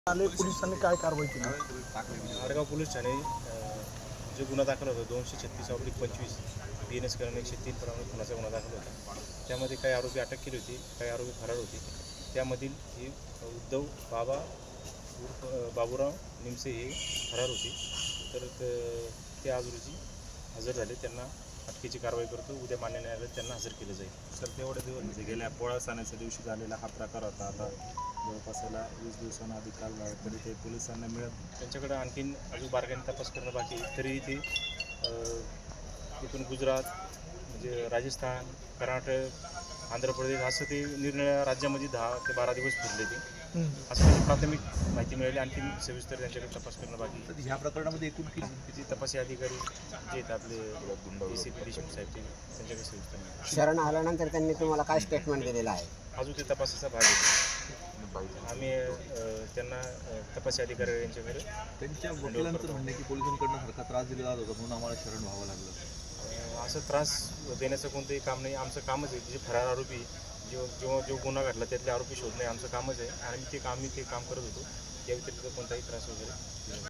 आले पोलिसांनी काय कारवाई केली? आडगाव पोलीस ठाणे जो गुन्हा दाखल होता 236/25 BNS कलम 103 प्रमाणे खुनाचा गुन्हा दाखल होता। त्यामध्ये काही आरोपी अटक केली होती, काही आरोपी फरार होते। त्यामधील ही उद्धव बाबूराव निमसे हे फरार होते। तर ते आज रोजी हजर झाले। त्यांना अटकेची कारवाई करतो। उद्या मान्य न्यायालयात त्यांना हजर केलं जाईल। सर तेवढे दिवस म्हणजे गेल्या पोळा सणाच्या दिवशी झालेला हा प्रकार होता। आता जवळपास 20 दिवसांना अधिक काल झाला तरी ते पोलिसांना मिळत त्यांच्याकडे आणखीन अजून बारकाईने तपास करणं बाकी आहे। तरी ते इथून गुजरात म्हणजे राजस्थान, कर्नाटक, आंध्र प्रदेश असं ते निरनिराळ्या राज्यामध्ये 10 ते 12 दिवस फिरले ते। असं म्हणजे प्राथमिक माहिती मिळाली। आणखीन सविस्तर त्यांच्याकडे तपास करणं बाकी आहे। ह्या प्रकरणामध्ये एकूण किती तपासी अधिकारी जे आहेत आपले ACP देशमुख साहेब त्यांच्याकडे सविस्तर माहिती। शरण आल्यानंतर त्यांनी तुम्हाला काय स्टेटमेंट दिलेलं आहे? अजून ते तपासाचा भाग आहे। आम्ही त्यांना तपासी अधिकारी यांच्याकडे त्यांच्या वकिलांचं म्हणणं की पोलिसांकडून सारखा त्रास दिला जात होता म्हणून आम्हाला शरण व्हावं लागलं। असं त्रास देण्याचं कोणतंही काम नाही। आमचं कामच आहे जे फरार आरोपी जो गुन्हा घडला त्यातले आरोपी शोधणे आमचं कामच आहे आणि ते काम करत होतो। या व्यतिरिक्त कोणताही त्रास वगैरे